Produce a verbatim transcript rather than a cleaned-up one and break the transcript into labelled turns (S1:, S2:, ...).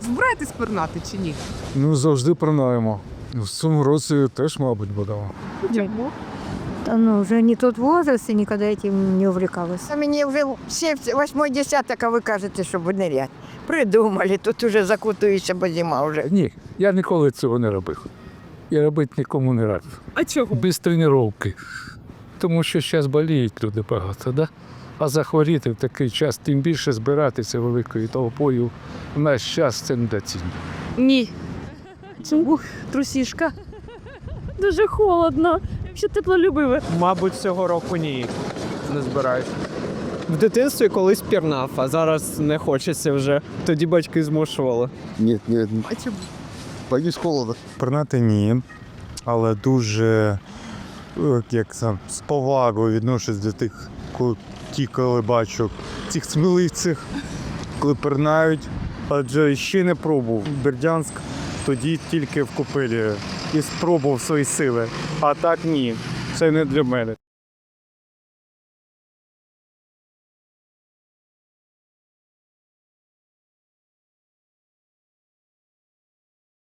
S1: Збираєтесь пірнати чи ні?
S2: Ну, завжди принаємо. В цьому році теж, мабуть, будемо.
S1: Чому?
S3: Да, ну, уже не тот возраст, и никогда этим не увлекалась.
S4: А мені вже восьмой десяток, а ви кажете, щоб нирять. Придумали, тут уже закутуєшся, бо зима вже.
S2: Ні, я ніколи цього не робив. Я робити нікому не радив.
S1: А чого?
S2: Без тренування. Тому що зараз боліють люди багато, да? А захворіти в такий час, тим більше збиратися великою толпою, в наш час це недоцільно.
S5: Ні. Чому? Трусішка. Дуже холодно. Якщо теплолюбиве.
S6: Мабуть, цього року ні. Не збираюсь. В дитинстві колись пірнав, а зараз не хочеться вже. Тоді батьки змушували.
S7: Ні, ні,
S1: А чому?
S7: боюсь холода.
S8: Пірнати ні, але дуже е, як сам, з повагою відношусь до тих, коли, ті, коли бачу цих сміливців, коли пірнають. Адже ще не пробував Бердянськ, тоді тільки в Купелі і спробував свої сили. А так ні, це не для мене.